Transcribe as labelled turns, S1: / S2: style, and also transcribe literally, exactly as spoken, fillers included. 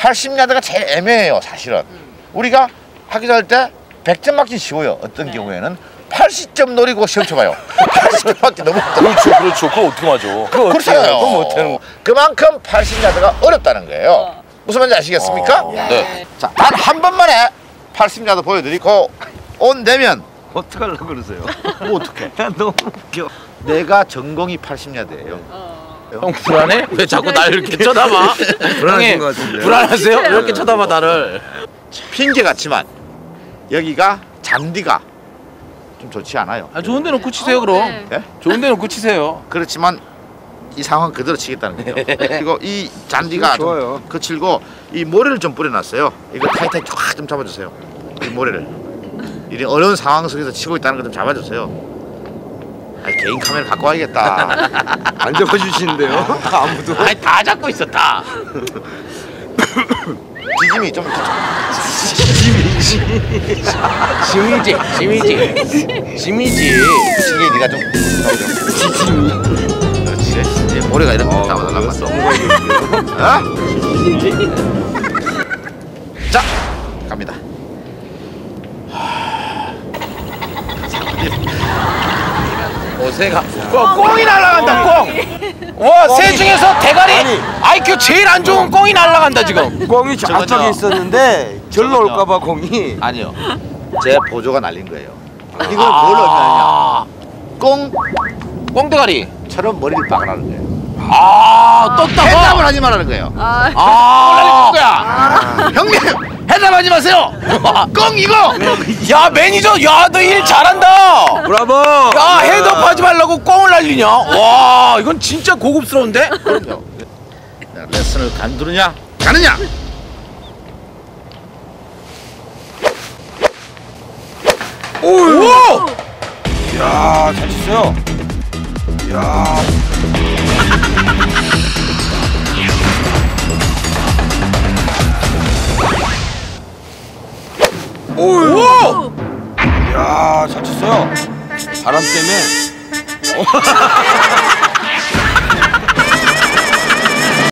S1: 팔십 야드가 제일 애매해요, 사실은. 우리가 하기 할 때 백 점 맞기 쉬워요. 어떤 네. 경우에는 팔십 점 노리고 시험 쳐봐요. 팔십 점 맞기 너무 어렵다.
S2: 그렇죠, 그렇죠. 그거 어떻게 맞아? 그거 어떻게 해요? 그거 못하는 거.
S1: 그만큼 팔십 야드가 어렵다는 거예요. 어. 무슨 말인지 아시겠습니까?
S2: 어. 네.
S1: 자, 단 한 번만에 팔십 야드 보여드리고 온 되면
S3: 어떡하려고 그러세요?
S1: 뭐 어떡해?
S3: 너무 웃겨.
S1: 내가 전공이 팔십 야드예요.
S2: 어. 형 불안해? 왜 자꾸 날 이렇게 쳐다봐?
S3: 불안하신 것 같은데.
S2: 불안하세요? 왜 이렇게 쳐다봐 나를?
S1: 핑계 같지만 여기가 잔디가 좀 좋지 않아요.
S2: 아, 좋은 데 놓고 치세요 그럼.
S1: 네. 네?
S2: 좋은 데 놓고 치세요.
S1: 그렇지만 이 상황 그대로 치겠다는 거예요. 그리고 이 잔디가 좀 거칠고 이 모래를 좀 뿌려놨어요. 이거 타이트하게 쫙 좀 잡아주세요. 이 모래를. 이 어려운 상황 속에서 치고 있다는 걸 좀 잡아주세요. 아, 개인 카메라 갖고 와야겠다.
S3: 안 잡아주시는데요? 아무도.
S2: 아니 다 잡고 있어 다.
S1: 지짐이 좀
S2: 짐이지 짐이지 짐이지.
S1: 지게 네가 좀 지짐이. 그렇지. 이제 모래가 이런 거 잡아달라고 했어. 어? 자, 갑니다.
S2: 오세가 꽁이 날아간다 꽁. 와, 새 중에서 대가리 아니, 아이큐 제일 안 좋은 꽁이 날아간다 지금.
S3: 꽁이 저 앞쪽에 있었는데 절로 올까봐 꽁이.
S1: 아니요, 제 보조가 날린 거예요. 이걸 아 뭘 의미하냐? 꽁
S2: 꽁대가리처럼
S1: 머리를 박으라는 거예요.
S2: 아, 떴다가
S1: 해답을 하지 말라는 거예요.
S2: 아, 아,
S1: 거야. 아 형님, 해답하지 마세요. 꽁 이거.
S2: 야 매니저, 야 너 일 잘한다.
S3: 브라보.
S2: 야 헤드업하지 말라고 꽁을 날리냐? 와, 이건 진짜 고급스러운데?
S1: 그럼요. 레슨을 간두느냐 가느냐.
S2: 오!
S3: 야, 잘 쳤어요. 야.
S2: 오!
S3: 야, 잘 쳤어요. 바람 때문에.